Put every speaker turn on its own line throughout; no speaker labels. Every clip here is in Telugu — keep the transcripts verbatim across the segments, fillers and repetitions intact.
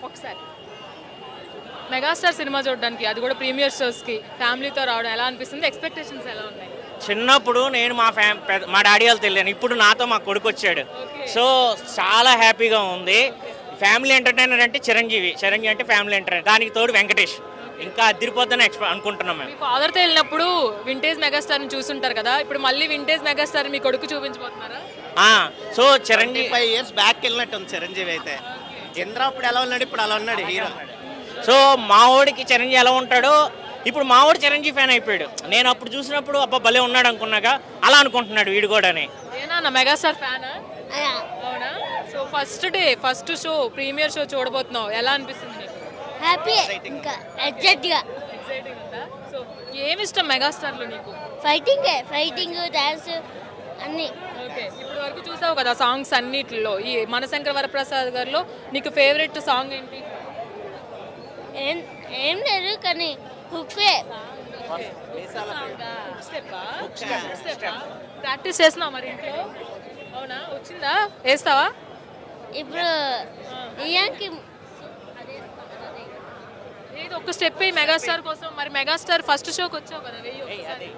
ఒకసారి మెగాస్టార్ సినిమా చూడడానికి, అది కూడా ప్రీమియర్ షోస్కి ఫ్యామిలీతో రావడం ఎలా అనిపిస్తుంది? ఎక్స్పెక్టేషన్స్ ఎలా ఉన్నాయి?
చిన్నప్పుడు నేను మా ఫ్యా మా డాడీ వాళ్ళు తెలియను, ఇప్పుడు నాతో మా కొడుకు వచ్చాడు. సో చాలా హ్యాపీగా ఉంది. ఫ్యామిలీ ఎంటర్టైనర్ అంటే చిరంజీవి, చిరంజీవి అంటే ఫ్యామిలీ ఎంటర్టైనర్, దానికి తోడు వెంకటేష్, ఇంకా అదిరిపోద్దని ఎక్స్పెక్ట్ అనుకుంటున్నాం మేము.
ఫాదర్తో వెళ్ళినప్పుడు వింటేజ్ మెగాస్టార్ని చూసుంటారు కదా, ఇప్పుడు మళ్ళీ వింటేజ్ మెగాస్టార్ మీ కొడుకు చూపించబోతున్నారా?
So Chiranjeevi
five years back వెళ్ళినట్టు ఉంది చిరంజీవి అయితే. చంద్ర అప్పుడు ఎలా ఉన్నాడు, ఇప్పుడు అలా ఉన్నాడు హీరో.
సో మా వాడికి చిరంజీవి ఎలా ఉంటాడో ఇప్పుడు మా వాడు చిరంజీవి ఫ్యాన్ అయిపోయాడు. నేను అప్పుడు చూసినప్పుడు అబ్బా భలే ఉన్నాడు అనుకున్నాగా, అలా అనుకుంటున్నాడు వీడు కూడా.
ఏనా మెగాస్టార్ ఫ్యానా? అవునా? So first day first show premiere show చూడబోతున్నావు, ఎలా అనిపిస్తుంది నీకు?
హ్యాపీ, ఇంకా ఎగ్జైట్ గా.
ఎక్సైటింగ్ ఉందా? సో ఏమి ఇష్టం మెగాస్టార్ లో నీకు?
ఫైటింగ్ ఫైటింగ్ డాన్స్ అన్ని.
ఓకే, ఇప్పుడు వరకు చూసావు కదా సాంగ్స్ అన్నిటిలో, ఈ మనశంకర వరప్రసాద్ గారిలో నీకు ఫేవరెట్ సాంగ్ ఏంటి?
ఏం ఏం లేదు కానీ హుక్కే.
ప్రాక్టీస్ చేస్తున్నావు మరి ఇంట్లో? అవునా, వచ్చిందా? వేస్తావా
ఇప్పుడు ఇయానికి
ఏదో ఒక స్టెప్ మెగాస్టార్ కోసం. మరి మెగాస్టార్ ఫస్ట్ షోకి వచ్చావు కదా, వెయ్యి ఒకసారి.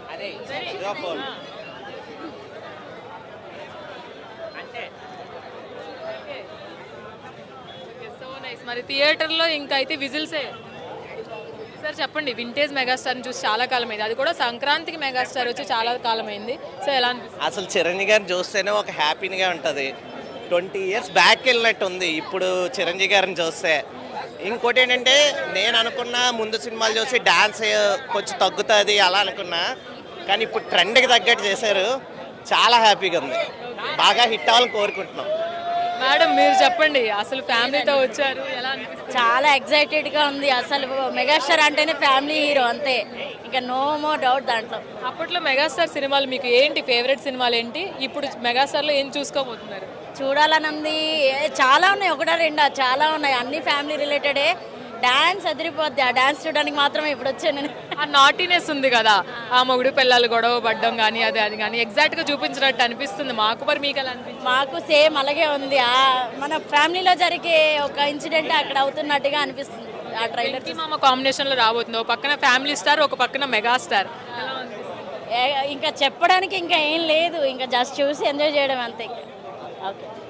So nice. మరి థియేటర్లో ఇంకా అయితే విజిల్సే. సార్ చెప్పండి, వింటేజ్ మెగాస్టార్ని చూసి చాలా కాలం అయింది, అది కూడా సంక్రాంతికి మెగాస్టార్ వచ్చి చాలా కాలం అయింది. సో ఎలా అనిపిస్తుంది?
అసలు చిరంజీవి గారిని చూస్తేనే ఒక హ్యాపీగా ఉంటుంది. ట్వంటీ ఇయర్స్ బ్యాక్ వెళ్ళినట్టు ఉంది ఇప్పుడు చిరంజీవి గారిని చూస్తే. ఇంకోటి ఏంటంటే నేను అనుకున్నా ముందు సినిమాలు చూసి డాన్స్ కొంచెం తగ్గుతుంది అలా అనుకున్నా, కానీ ఇప్పుడు ట్రెండ్కి తగ్గట్టు చేశారు. చాలా హ్యాపీగా ఉంది, బాగా హిట్ అవ్వాలని కోరుకుంటున్నాం.
మేడం మీరు చెప్పండి, అసలు ఫ్యామిలీతో వచ్చారు, ఎలా అనిపిస్తుంది?
చాలా ఎక్సైటెడ్ గా ఉంది. అసలు మెగాస్టార్ అంటేనే ఫ్యామిలీ హీరో అంతే, ఇంకా నో మో డౌట్ దాంట్లో.
అప్పట్లో మెగాస్టార్ సినిమాలు మీకు ఏంటి ఫేవరెట్ సినిమాలు ఏంటి? ఇప్పుడు మెగాస్టార్లో ఏం చూసుకోబోతున్నారు?
చూడాలని ఉంది, చాలా ఉన్నాయి, ఒకటా రెండా చాలా ఉన్నాయి, అన్ని ఫ్యామిలీ రిలేటెడే. డాన్స్ అదిరిపోద్ది, ఆ డాన్స్ చూడడానికి మాత్రమే ఇప్పుడు వచ్చాను నేను.
ఆ నాటీనెస్ ఉంది కదా, ఆ మొగుడు పిల్లలు గొడవ పడ్డం కానీ అది అది కానీ ఎగ్జాక్ట్ గా చూపించినట్టు అనిపిస్తుంది మాకు. మరి మీకు ఎలా అనిపిస్తుంది?
మాకు సేమ్ అలాగే ఉంది. ఆ మన ఫ్యామిలీలో జరిగే ఒక ఇన్సిడెంట్ అక్కడ అవుతున్నట్టుగా అనిపిస్తుంది ఆ ట్రైలర్.
మామ కాంబినేషన్ లో రాబోతుంది, ఒక పక్కన ఫ్యామిలీ స్టార్, ఒక పక్కన మెగాస్టార్.
ఇంకా చెప్పడానికి ఇంకా ఏం లేదు, ఇంకా జస్ట్ చూసి ఎంజాయ్ చేయడం అంతే. ఓకే.